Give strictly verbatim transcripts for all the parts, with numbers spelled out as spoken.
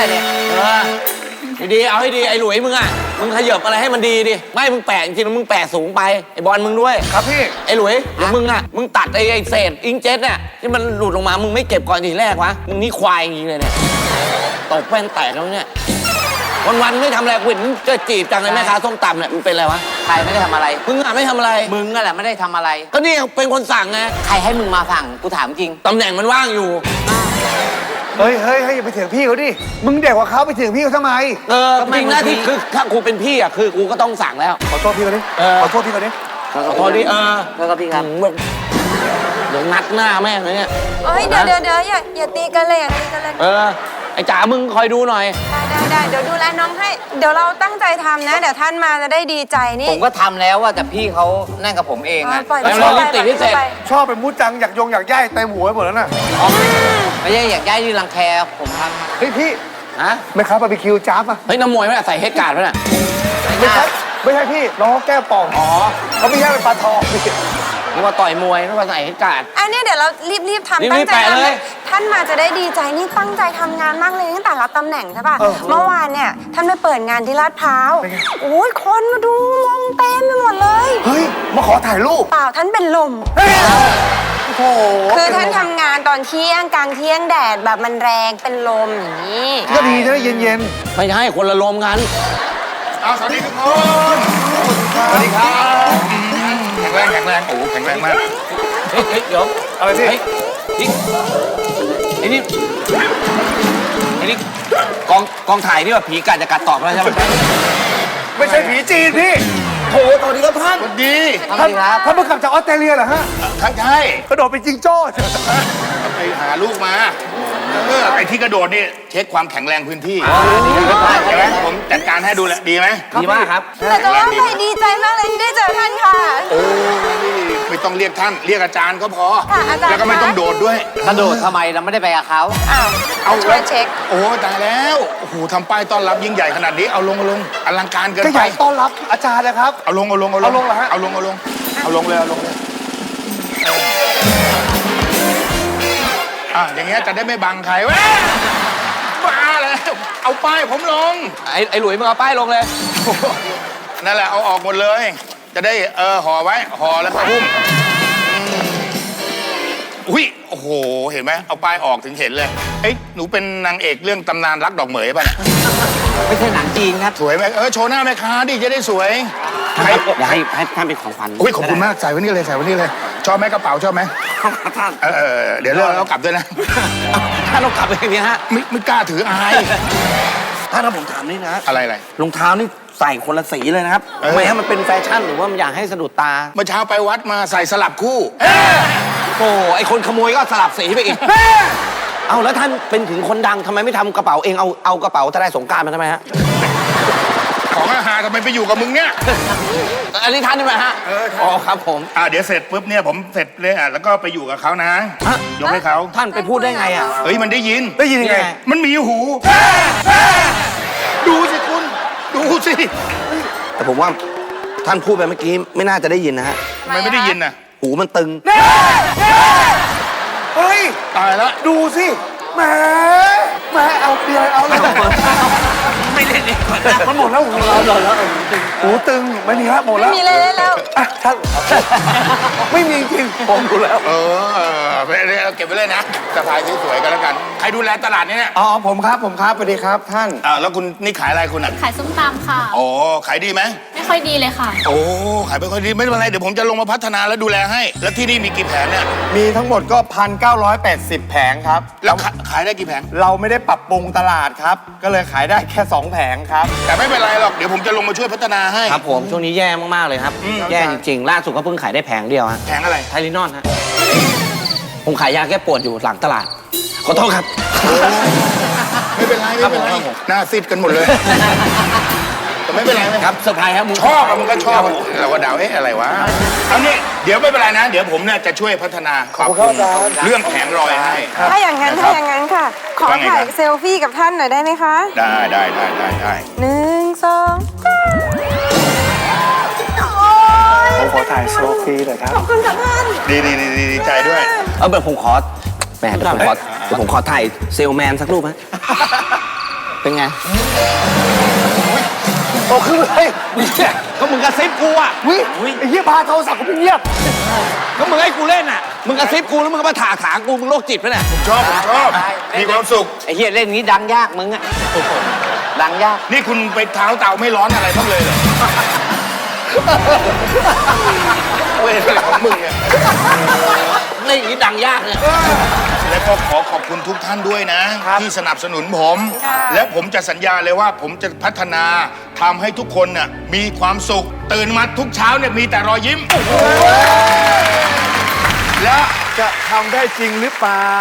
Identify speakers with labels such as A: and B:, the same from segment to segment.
A: เนี่ย
B: เออดีๆเอาให้ดีไอ้หลุยมึงอ่ะมึงขยับอะไรให้มันดีดิไม่มึงแปะจริงๆมึงแปะสูงไปไอ้บอลมึงด้วย
C: ครับพี่
B: ไอ้หลุยเดี๋ยวมึงอ่ะมึงตัดไอ้ไอ้เศษอิงเจ็ตเนี่ยที่มันหลุดลงมามึงไม่เก็บก่อนทีแรกวะมึงนี่ควายจริงเลยเนี่ยตกแป้นแตกแล้วเนี่ยวันๆไม่ทำอะไรกูเห็นจะจีบจังเลยแม่ค้าส้มตำเนี่ยมันเป็นอะไรวะ
A: ใครไม่ได้ทำอะไร
B: มึงอ่ะไม่ทำอะไร
A: มึงนั่นแหละไม่ได้ทำอะไร
B: ก็นี่เป็นคนสั่งไง
A: ใครให้มึงมาสั่งกูถามจริง
B: ตำแหน่งมันว่างอยู่
C: เฮ้ยเฮ้ยเฮ้ยอย่าไปเถียงพี่เขาดิมึงเด็กกว่าเขาไปเถียงพี่เขาทำไม
B: เออจริงหน้าที่คือถ้ากูเป็นพี่อ่ะคือกูก็ต้องสั่งแล้ว
C: ขอโทษพี่เขาดิขอโทษพี่เขาดิ
B: ขอโทษดิเออ
A: แล้วก็พี่ครับ
B: เดี๋ยวงัดหน้าแม่งเลยเนี่ย
D: เฮ้ยเดี๋ยวเดี๋ยวเดี๋ยวอย่าอย่าตีกันเลยอย่าตีกันเลย
B: เออไอ้จ๋ามึงคอยดูหน่อย
D: ได้ได้ได้เดี๋ยวดูแลน้องให้เดี๋ยวเราตั้งใจทำนะเดี๋ยวท่านมาจะได้ดีใจนี่
A: ผมก็ทำแล้วว่าแต่พี่เขานั่นกับผมเองอะ
D: ปล่อยไปไป
C: ชอบเป็นมูดจังอยากยงอยากย่ายเต็มหัวไปหมดแล้วน่ะ
A: ไม่ใช่อยากย้ายที่รังแคผมท
C: ำเฮ้ยพี่
B: ฮะ
C: ไม่ครับบาร์บีคิวจ้าป่ะ
B: เฮ้ยน้ำมวยไม่ใส่เฮดการ์ดป่ะน่ะ
C: ไม่ใช่ไม่ใช่พี่น้องแก้วป่อง
B: อ๋อ
C: เขาไม่ใช่เป็นปลาทอง
B: นึกว่าต่อยมวยนึกว่าใส่เฮดการ์ด
D: อันนี้เดี๋ยวเรารีบรีบทำตั้งใจทำท่านมาจะได้ดีใจนี่ตั้งใจทำงานมากเลยตั้งแต่รับตำแหน่งใช่ป่ะเมื่อวานเนี่ยท่านไปเปิดงานที่ลาดพร้าวโอ้ยคนมาดูงงเต็มไปหมดเลย
C: เฮ้ยมาขอถ่ายรูป
D: เปล่าท่านเป็นลมคือท่านทำงานตอนเที่ยงกลางเที่ยงแดดแบบมันแรงเป็นลมอย่างนี้
C: ก็ดีจะได้เย็น
B: ๆไม่ใช่คนละลมกัน
C: สวัสดีทุกคนสวัสดีครับแข็งแรงแข็งแรงโอ้แข็งแรงมาก
B: เฮ้ยเดี๋ยว
C: อะไรพี่
B: นี่ไอ้นี่ไอ้นี่กองกองถ่ายนี่ว่าผีกัดจะกัดตอบแล้วใช่ไหม
C: ไม่ใช่ผีจีนพี่
B: โถตอนนี้ก็ท่าน
C: สวัสดีท่านท่านเพิ่งกลับจากออสเตรเลียเหรอฮะ
E: ท่านใช่
C: กระโดดเป็นจิงโจ้
E: ไปหาลูกมาเออไอ้ที่กระโดดนี่เช็คความแข็งแรงพื้นที่ใช่ไหมผมจัดการให้ดูแลดีไหม
B: ดีมากครับ
D: แต่จะว่าไปดีใจมากเลยที่ได้เจอท่านค่ะ
E: โอ้ไม่ต้องเรียกท่านเรียกอาจารย์ก็พอแล้วก็ไม่ต้องโดดด้วย
A: กระโดดทำไมเราไม่ได้ไปกับเขา
D: อ้าวเอาช่วยเช็ค
E: โอ้ตายแล้วโอ้โหทำป้ายต้อนรับยิ่งใหญ่ขนาดนี้เอาลงเอาลงอลังการเกินไป
C: ก็ใหญ่ต้อนรับอาจารย์นะครับ
E: เอาลงเอาลงเอาลงเอาลงเหรอฮะเอาลงเอาลงเอาลงเลยเอาลงเลยอ่ะอย่างเงี้ยจะได้ไม่บังใครวะบ้าแล้วเอาป้ายผมลง
B: ไอ้ไอ้หลุยมึงเอาป้ายลงเลย
E: นั่นแหละเอาออกหมดเลยจะได้เออห่อไว้ห่อแล้วก็หุ้มอุ้ยโอ้โหเห็นไหมเอาป้ายออกถึงเห็นเลยเอ้ยหนูเป็นนางเอกเรื่องตำนานรักดอกเหมยป่ะเนี่ย
A: ไม่ใช่หนังจีนครับ
E: สวยไหมเออโชว์หน้าแม่ค้าดิจะได้สวย
B: อยากให้ให้ท่านเป็นของขวัญ
E: อุ้ยขอบคุณมากใส่ไว้นี่เลยใส่ไว้นี่เลยชอบไหมกระเป๋าชอบไหม
B: ท่าน
E: เออเดี๋ยวเลิกแล้วกลับด้วยนะ
B: ท่านเรากลับอย่างนี้ฮะ
E: ไม่ไม่กล้าถืออาย
B: ท่านถ้าผมถามนี่นะ
E: อะไรอะไร
B: รองเท้านี่ใส่คนละสีเลยนะครับทำไมฮะมันเป็นแฟชั่นหรือว่ามันอยากให้สะดุดตา
E: เมื่อเช้าไปวัดมาใส่สลับคู่
B: โอ้ไอคนขโมยก็สลับสีไปอีกเอาแล้วท่านเป็นถึงคนดังทำไมไม่ทำกระเป๋าเองเอาเอากระเป๋าทนายสงกรานต์มาทำไมฮะ
E: ของอาหารทำไมไปอยู่กับมึงเนี่ย
B: อันนี้ท่านใช่ไหมฮะอ๋อครับผม
E: อ่าเดี๋ยวเสร็จปุ๊บเนี่ยผมเสร็จเลยอ่ะแล้วก็ไปอยู่กับเขานะยกให้เขา
B: ท่านไปพูดได้ไงอ่ะ
E: เฮ้ยมันได้ยิน
C: ได้ยินยังไง
E: มันมีหูดูสิคุณดูสิ
B: แต่ผมว่าท่านพูดไปเมื่อกี้ไม่น่าจะได้ยินนะฮะ
E: ทำไมไม่ได้ยินน่ะ
B: หูมันตึง
C: เฮ้ย
E: ตายแล้ว
C: ดูสิแหมแหมเอาเปียเอาเลย
B: ไม่เล่นเลย
C: มันหมดแล้วหูเราแล้วหูตึงไม่มีแล้วหมดแล้ว
D: ไม่มีเลยแล้ว
C: อ่ะท่านไม่มีจริงผมดูแล้ว
E: เออเก็บไว้เลยนะสะพายสวยๆกันแล้วกันใครดูแลตลาดนี้เนี่ย
C: อ๋อผมครับผมครับสวัสดีครับท่าน
E: อ่าแล้วคุณนี่ขายอะไรคุณอ่ะ
F: ขายส้มตำค่ะ
E: โอ้ขายดีไหม
F: ไม่ค่อยดีเลยค่ะ
E: โอ้ขายไม่ค่อยดีไม่เป็นไรเดี๋ยวผมจะลงมาพัฒนาแล้วดูแลให้แล้วที่นี่มีกี่แผงเนี่ย
C: มีทั้งหมดก็พันเก้าร้อยแปดสิบแผงครับ
E: แล้วขายได้กี่แผง
C: เราไม่ได้ปรับปรุงตลาดครับก็เลยขายได้แค่สองแผงครับ
E: แต่ไม่เป็นไรหรอกเดี๋ยวผมจะลงมาช่วยพัฒนาให้
B: ครับผมช่วงนี้แย่มากๆเลยครับแย่จริงๆล่าสุดก็เพิ่งขายได้แผงเดียวฮะ
E: แผงอะไร
B: ไทลินอนฮะผมขายยาแก้ปวดอยู่หลังตลาดขอโทษครับ
E: ไม่เป็นไรไม่เป็นไรหน้าซีดกันหมดเลยแต่ไม่เป็นไร
B: ครับเซอร์ไพรส์ครับมึง
E: ชอบมึงก็ชอบเราก็เดาเอ๊ะอะไรวะเอานี่เดี๋ยวไม่เป็นไรนะเดี๋ยวผมเนี่ยจะช่วยพัฒนา
C: ขอบคุณ
E: เรื่องแผงรอยให้
D: ถ้าอย่างนั้นถ้าอย่างนั้นค่ะขอถ่ายเซลฟี่กับท่านหน่อยได้ไหมคะ
E: ได้ได้ได้ได้ได้
D: หนึ่งสอง
C: ผมขอถ่ายเซลฟี่หน่อยครับ
D: ขอบคุณค่ะท่าน
E: ดีดีดีดีใจด้วย
B: เออเดี๋ยวผมขอแหมเดี๋ยวผมขอเดี๋ยวผมขอถ่ายเซลแมนสักรูปฮะเป็นไง
F: โตขึ้นเลย
B: เนี่ยก็มึงกระซิบกูอ่ะ
F: วิไอ้เหี้ยพาโทรศัพท์กูไปเงียบ
B: ก็มึงให้กูเล่นอ่ะ มึงกระซิบกูแล้วมึงก็มาถากถางกู มึงโรคจิตปะเนี่ย
E: ชอบผมชอบมีความสุข
A: ไอ้เฮียเล่นนี้ดังยากมึงอะดังยาก
E: นี่คุณไปเท้าเต่าไม่ร้อนอะไรบ้างเลยเหรอเว้ยอะไรของมึงเนี่ย
B: เล่นอย่างนี้ดังยากเนี่ย
E: และก็ขอขอบคุณทุกท่านด้วยนะ ที่สนับสนุนผม และผมจะสัญญาเลยว่าผมจะพัฒนาทำให้ทุกคนน่ะมีความสุข ตื่นมาทุกเช้าเนี่ยมีแต่รอยยิ้ม
F: และจะทำได้จริงหรือเปล่า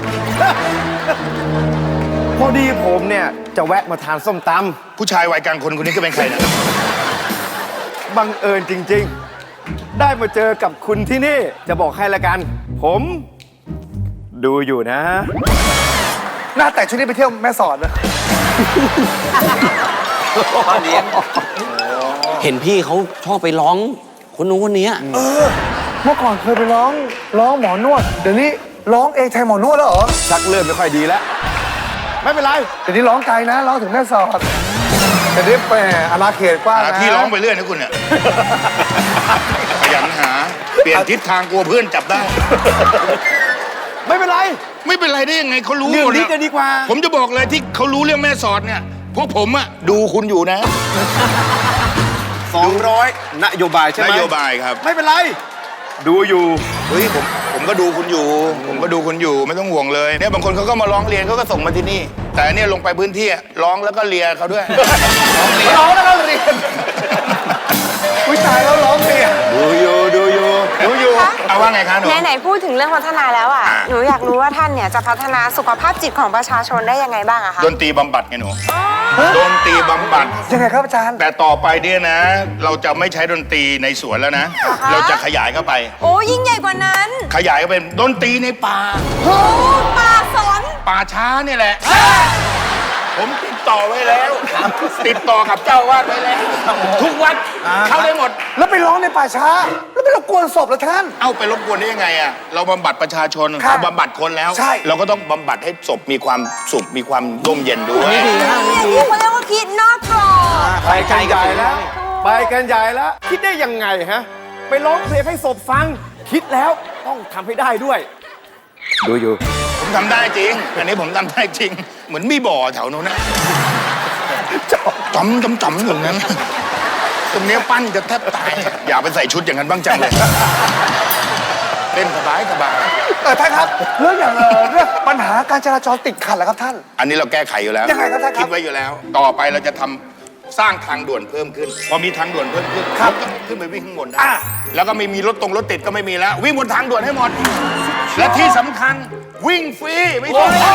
F: พอดีผมเนี่ย จะแวะมาทานส้มต
E: ผู้ชายวัยกลางคนคนนี้ก็เป็นใครนะ
F: ำบังเอิญจริง ๆ ได้มาเจอกับคุณที่นี่ จะบอกให้ละกัน ผมดูอยู่นะ หน้าแต่ชุดนี้ไปเที่ยวแม่สอดนะ
A: พ่อเลี้ยง
B: เห็นพี่เขาชอบไปร้องคนนู้นคนนี้
G: เมื่อก่อนเคยไปร้องร้องหมอนวด เดี๋ยวนี้ร้องเองแทนหมอนวดแล้วเหรอ
F: ชักเริ่มไม่ค่อยดีแล้ว ไม่เป็นไร
G: เดี๋ยวนี้ร้องไกลนะร้องถึงแม่สอดแต่นี้แหมอาณาเขตกว้าง
E: หา
G: นะ
E: ที่ร้องไปเรื่อยนะคุณเนี่ยขยันหา เปลี่ยนทิศทางกลัวเพื่อนจับได้
F: ไม่เป็นไร
E: ไม่เป็นไรได้ยังไงเขารู้
F: เรื่
E: ห
F: อ
E: ม
F: ง
E: ด
F: นี้
E: อะ
F: จะดีกว่า
E: ผมจะบอกเลยที่เขารู้เรื่องแม่สอดเนี่ยพวกผมอะดูคุณอยู่นะ
F: สองร้อยนโยบายใช่ไหม
E: นโยบายครับ
F: ไม่เป็นไร ดูอยู่
E: เฮ้ยผมผมก็ดูคุณอยู่ ผมก็ดูคุณอยู่ไม่ต้องห่วงเลยเนี่ยบางคนเขาก็มาร้องเรียนเขาก็ส่งมาที่นี่ แต่อันเนี่ยลงไปพื้นที่อะร้องแล้วก็เลียเขาด้วย
F: ร้องแล้วก็เรียนอุ้ยตายแล้วร้องเรียนดูอยู่ ดูอยู่ ดูอยู่
E: เอาว่าไงคะหนู
D: ไหนๆพูดถึงเรื่องพัฒนาแล้วอ่ะ หนูอยากรู้ว่าท่านเนี่ยจะพัฒนาสุขภาพจิตของประชาชนได้ยังไงบ้างอะคะ
E: ดนตรีบำบัดไงหนูดนตรีบำบัด
G: ยังไงครับอาจารย์
E: แต่ต่อไปเนี่ยนะ เราจะไม่ใช้ดนตรีในสวนแล้วนะ เราจะขยายเข้าไป
D: โอ้ยิ่งใหญ่กว่านั้น
E: ขยายเข้าเป็นดนตรีในป่า
D: โอ้ป่าสน
E: ป่าช้าเนี่ยแหละ ผมติดต่อไว้แล้ว ติดต่อกับเจ้าวาดไว้แล้ว ทุกวัดเข้าได้หมด
G: แล้วไปร้องในป่าช้า แล้วไปรบกวนศพแล้วท่าน
E: เอาไปรบกวนได้ยังไงอะเราบำบัดประชาชน
G: ครับ
E: เราบำบัดคนแล้ว
G: ใช่
E: เราก็ต้องบำบัดให้ศพมีความสุขมีความร่มเย็นด้วย
D: เนี่ยที่เขาเรียกว่าคิดนอกกรอบ
F: ไปกันใหญ่แล้ว ไปกันใหญ่แล้ว คิดได้ยังไงฮะ ไปร้องเพลงให้ศพฟัง คิดแล้วต้องทำให้ได้ด้วย ดูอยู่
E: ผมทำได้จริง อันนี้ผมทำได้จริง เหมือนมีบ่อแถวนู้นนะจอมจอมจอมอย่างนั้น ตรงเนี้ยปั้นจะแทบตาย อย่าไปใส่ชุดอย่างนั้นบ้างจังเลย เล่นสบายสบาย
G: เออท่านครับ เรื่องอย่างเออเรื่องปัญหาการจราจรติดขัดเหรอครับท่าน
E: อันนี้เราแก้ไขอยู่แล้ว
G: ยังไงครับท่านครับ
E: คิดไว้อยู่แล้ว ต่อไปเราจะทำสร้างทางด่วนเพิ่มขึ้น พอมีทางด่วนเพิ่มขึ้น
G: ครับ
E: ก็ขึ้นไปวิ่งข้างบนได้
G: อ่ะ
E: แล้วก็ไม่มีรถตรงรถติดก็ไม่มีแล้ว วิ่งบนทางด่วนให้หมด และที่สำคัญวิ่งฟรีไม่ต้องนี่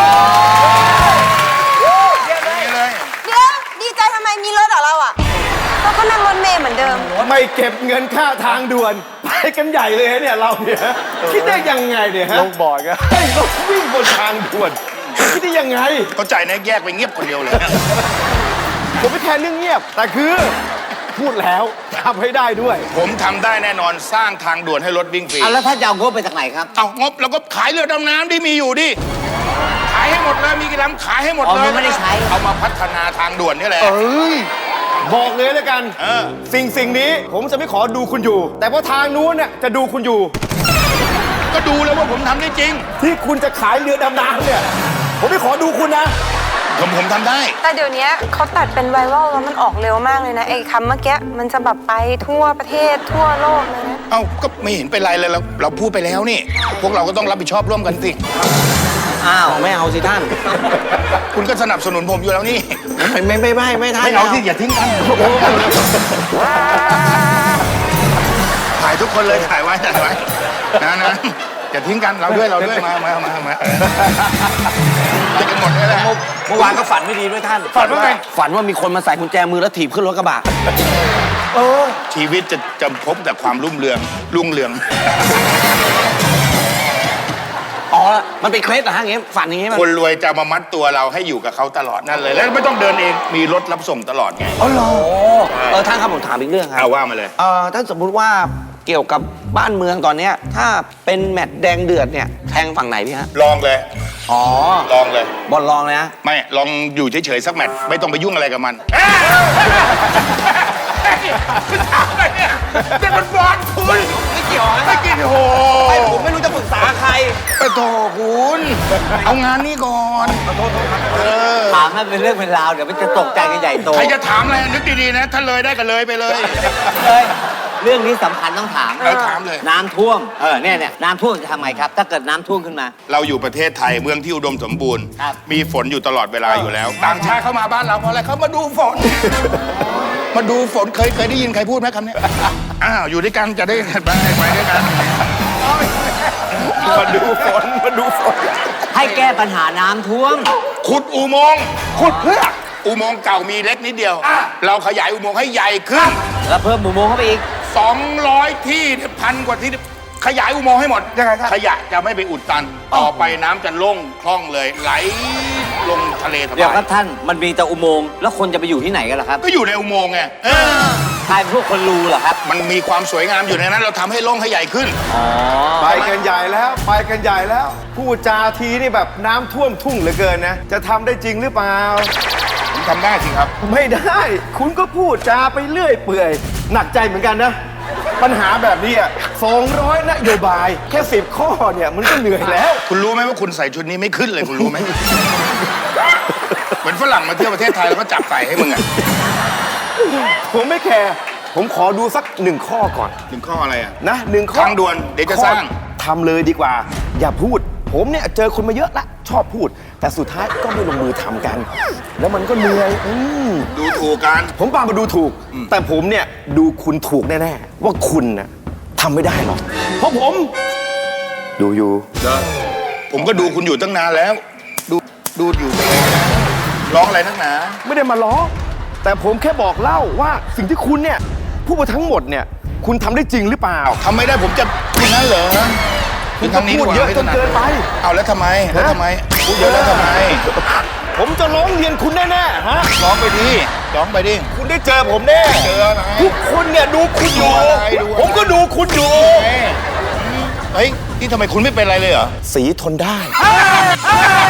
E: เลย
D: เดี๋ยวดีใจทำไมมีรถเหรอเราอ่ะเราก็นั่งรถเมล์เหมือนเดิม
F: ไม่เก็บเงินค่าทางด่วน ไปกันใหญ่เลยเนี่ยเราเนี่ยคิดได้ยังไงเนี่ยฮะ
G: ลงบ่อยกัน
F: ให้รถวิ่งบนทางด่วน คิดได้ยังไง
E: เข้าใจนะแยกไปเงียบคนเดียวเลย
F: ผมไม่แทนเรื่องเงียบ แต่คือ พูดแล้วทำให้ได้ด้วย
E: ผมทำได้แน่นอนสร้างทางด่วนให้รถวิ่งฟรี
A: เอาแล้วท่านจะเอางบไปจากไหนครับ
E: เอางบแล้วก็ขายเรือดำน้ำที่มีอยู่ดิ ขายให้หมดเลย มีกี่ลำขายให้หมด
A: อ๋อ
E: เลย
A: มันไม่ได้ใช้
E: เอามาพัฒนาทางด่วนนี่แหละ
G: เอ้ย
F: บอกเลยแล้วกัน
E: เออ
F: สิ่งสิ่งนี้ผมจะไม่ขอดูคุณอยู่ แต่ว่าทางนู้นเนี่ยจะดูคุณอยู่
E: ก็ดูแล้วว่าผมทำได้จริง
F: ที่คุณจะขายเรือดำน้ำเนี่ย ผมไม่ขอดูคุณนะ
E: ผมผมทำได้
D: แต่เดี๋ยวนี้เขาตัดเป็นไวรัลแล้วมันออกเร็วมากเลยนะไอ้คำเมื่อกี้มันจะแบบไปทั่วประเทศทั่วโลกเลยนะ
E: เอ้าก็ไม่เห็นเป็นไรเลยเราเราพูดไปแล้วนี่ พวกเราก็ต้องรับผิดชอบร่วมกันสิ
B: อ้าวไม่เอาสิท่าน
E: คุณก็สนับสนุนผมอยู่แล้วนี่
B: ไม่ไม่ไม่ไม่ไม่ท่าน
E: ไม่เอาที่อย่าทิ้งกันถ่ายทุกคนเลยถ่ายไว้ถ่ายไว้นะนะอย่าทิ้งกันเราด้วยเราด้วยมามามามาเออจะกันหมดเลยแหละ
B: เมื่อวานก็ฝันไม่ดีด้วยท่าน
E: ฝันว่าไง
B: ฝันว่ามีคนมาใส่กุญแจมือแล้วถีบขึ้นรถกระบะ
G: เออ
E: ชีวิตจะจะพบแต่ความรุ่งเรืองรุ่งเรือง
B: อ๋อ มันเป็นเคล็ดเหรอฮะอย่างงี้ฝันอย่างงี้มัน
E: คนรวยจะมามัดตัวเราให้อยู่กับเขาตลอดนั่นเลย แล้วไม่ต้องเดินเองมีรถรับส่งตลอดไง
G: อ๋อเหรอ
B: โอ้เออท่านครับผมถามอีกเรื่องครั
E: เอา
B: บ
E: ว่ามาเลย
B: เอ่อถ้าสมมุติว่าเกี่ยวกับบ้านเมืองตอนเนี้ยถ้าเป็นแมตช์แดงเดือดเนี่ยแทงฝั่งไหนพี่ฮะ
E: ลองเลย
B: อ๋อ
E: ลองเลย
B: บอลลองเลยนะ
E: ไม่ลองอยู่เฉยๆสักแมตช์ไม่ต้องไปยุ่งอะไรกับมันนี่มันบอลคุณ
B: ไม่เกี่ยวนะ
E: ไม่กินโห
B: ไม่ผมไม่รู้จะปรึกษาใคร
E: ไปโถคุณเอางานนี้ก่อนเออ
A: ถามให้เป็นเรื่องเป็นราวเดี๋ยวมันจะตกใจกันใหญ่โต
E: ใครจะถามอะไรนึกดีๆนะถ้าเลยได้ก็เลยไปเลย
A: เลยเรื่องนี้สำคัญต้องถาม
E: เออถามเลย
A: น้ำท่วมเออเนี่ยเนี่ยน้ำท่วมจะทำไงครับ ถ้าเกิดน้ำท่วมขึ้นมา
E: เราอยู่ประเทศไทยเมืองที่อุดมสมบูรณ์
A: ครับ
E: มีฝนอยู่ตลอดเวลาอยู่แล้ว ต่างชาติเข้ามาบ้านเราเพราะอะไรเขามาดูฝน มาดูฝนเคยเคยได้ยินใครพูดไหมคำนี้ อ้าวอยู่ด้วยกันจะได้ไปไปด้วยกัน
F: มาดูฝนมาดูฝน
A: ให้แก้ปัญหาน้ำท่วม
E: ขุดอุโมงค์ขุดเพื่ออุโมงค์เก่ามีเล็กนิดเดียว เราขยายอุโมงค์ให้ใหญ่ขึ้น
A: แล้วเพิ่มหมู่โมงเข้าไปอีก
E: สองร้อยที่เนี่ยพันกว่าที่เนี่ยขยายอุโมงค์ให้หมด
G: ยังไงครับ
E: ขยะจะไม่ไปอุดตัน ต่อไปน้ำจะโล่งคล่องเลย ไหลลงทะเลส
A: เดี๋ยว
E: บา
A: ครั
E: ย
A: บท่านมันมีแต่อุโมงค์แล้วคนจะไปอยู่ที่ไหนกันล่ะครับ
E: ก็อยู่ในอุโมงค์ไงเออ
A: ใครเป็นพวกคนรูเหรอครับ
E: มันมีความสวยงามอยู่ในนั้น เราทำให้โล่งให้ใหญ่ขึ้น
F: ไปกันใหญ่แล้วไปกันใหญ่แล้วพูดจาทีนี่แบบน้ำท่วมทุ่งเหลือเกินนะ จะทำได้จริงหรือเปล่า
E: ผมทำได้สิครับ
F: ไม่ได้ คุณก็พูดจาไปเรื่อยเปื่อย หนักใจเหมือนกันนะ ปัญหาแบบนี้อ่ะสองร้อยนโยบาย แค่สิบข้อเนี่ยมันก็เหนื่อยแล้ว
E: คุณรู้ไหมว่าคุณใส่ชุดนี้ไม่ขึ้นเลยคุณรู้ไหม เหมือนฝรั่งมาเที่ยวประเทศไทยแล้วก็จับใส่ให้มึงอ่ะ
F: ผมไม่แคร์ผมขอดูสักหนึ่งข้อก่อน
E: หนึ่งข้ออะไรอ่ะ
F: นะหนึ่งข้อ
E: ทางด่วนเดี๋ยวจะสร้าง
F: ข้อทำเลยดีกว่า อย่าพูด ผมเนี่ยเจอคนมาเยอะละชอบพูด แต่สุดท้ายก็ไม่ลงมือทำกัน แล้วมันก็เหนื่อยอืม
E: ดูถูกกัน
F: ผมปามาดูถูก แต่ผมเนี่ยดูคุณถูกแน่ๆ ว่าคุณน่ะทำไม่ได้หรอก เพราะผม ดูอยู่
E: ผมก็ดูคุณอยู่ตั้งนานแล้ว ดูดูอยู่ตั้งนานร้องอะไรนักหนา
F: ไม่ได้มาล้อ แต่ผมแค่บอกเล่าว่าสิ่งที่คุณเนี่ยพูดมาทั้งหมดเนี่ย คุณทำได้จริงหรือเปล่า
E: ทำไม่ได้ผมจะพูดนั้นเหรอพูดทางนี้ดีกว่า
F: พูดเยอะจนเกินไป
E: เอาแล้วทำไมแล้วทำไมพูดเยอะแล้วทำไม
F: ผมจะร้องเรียนคุณแน่ๆฮะ
E: ร้องไปดิร้องไปดิ
F: คุณได้เจอผมแน่
E: เจออะไร
F: ทุกคนเนี่ยดูคุณอยู่
E: ดูอะไรดูอะไร
F: ผมก็ดูคุณอยู่
E: เฮ้ยนี่ทำไมคุณไม่เป็นอะไรเลยเหรอ
F: สีทนได้
E: เ